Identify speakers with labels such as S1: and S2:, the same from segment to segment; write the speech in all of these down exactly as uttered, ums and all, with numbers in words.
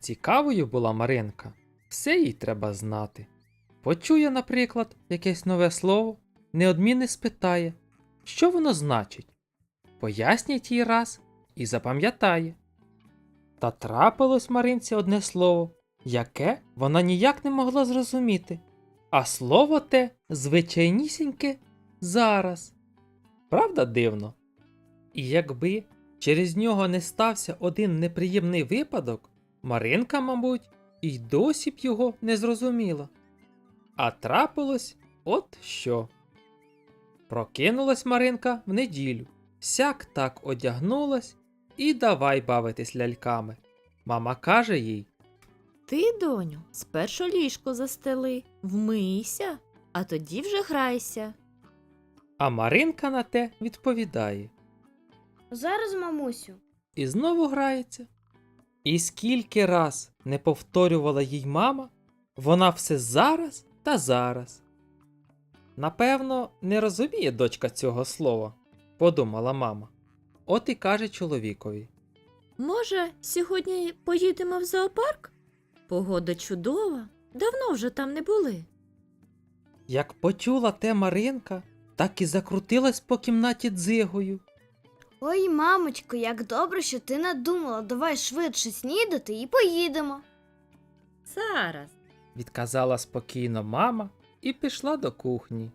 S1: Цікавою була Маринка, все їй треба знати. Почує, наприклад, якесь нове слово, неодмінно спитає, що воно значить. Пояснять їй раз і запам'ятає. Та трапилось Маринці одне слово, яке вона ніяк не могла зрозуміти, а слово те звичайнісіньке зараз. Правда дивно? І якби через нього не стався один неприємний випадок, Маринка, мабуть, і досі б його не зрозуміла. А трапилось от що. Прокинулась Маринка в неділю, сяк так одягнулась і давай бавитись ляльками. Мама каже їй:
S2: Ти, доню, спершу ліжко застели, вмийся, а тоді вже грайся.
S1: а Маринка на те відповідає.
S3: Зараз, мамусю.
S1: І знову грається. І скільки раз не повторювала їй мама, вона все зараз та зараз. Напевно, не розуміє дочка цього слова, подумала мама. От і каже чоловікові.
S2: Може, сьогодні поїдемо в зоопарк? Погода чудова, давно вже там не були.
S1: Як почула те Маринка, так і закрутилась по кімнаті дзигою.
S3: Ой, мамочко, як добре, що ти надумала. Давай швидше снідати і поїдемо.
S2: Зараз.
S1: Відказала спокійно мама і пішла до кухні.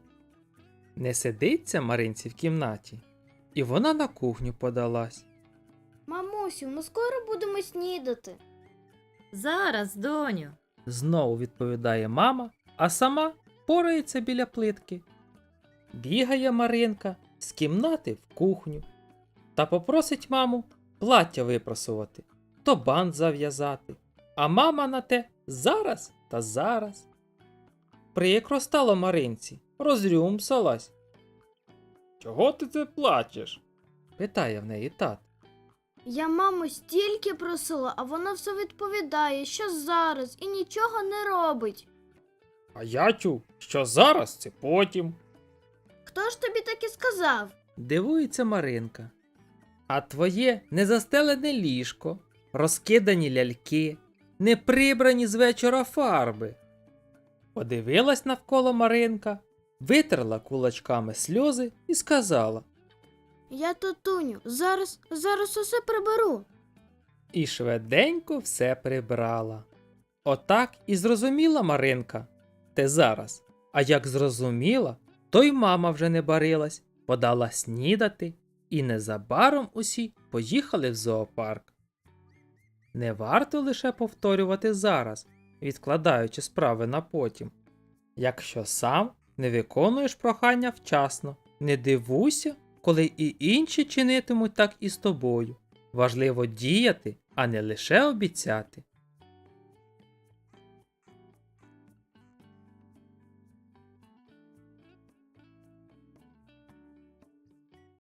S1: Не сидиться Маринці в кімнаті, і вона на кухню подалась.
S3: Мамусю, ми скоро будемо снідати.
S2: Зараз, доню.
S1: Знову відповідає мама, а сама порається біля плитки. Бігає Маринка з кімнати в кухню та попросить маму плаття випросувати, то бант зав'язати, а мама на те зараз та зараз. Прикро стало Маринці, розрюмсалась. «Чого ти це плачеш?» – питає в неї тат.
S3: Я маму стільки просила, а вона все відповідає, що зараз, і нічого не робить.
S1: А я чув, що зараз це потім.
S3: Хто ж тобі так і сказав?
S1: Дивується Маринка. А твоє незастелене ліжко, розкидані ляльки, не прибрані з вечора фарби. Подивилась навколо Маринка, витерла кулачками сльози і сказала.
S3: Я, татуню, зараз, зараз усе приберу.
S1: І швиденько все прибрала. Отак і зрозуміла Маринка те зараз. А як зрозуміла, то й мама вже не барилась, подала снідати, і незабаром усі поїхали в зоопарк. Не варто лише повторювати зараз, відкладаючи справи на потім. Якщо сам не виконуєш прохання вчасно, не дивуйся, коли і інші чинитимуть так і з тобою. Важливо діяти, а не лише обіцяти.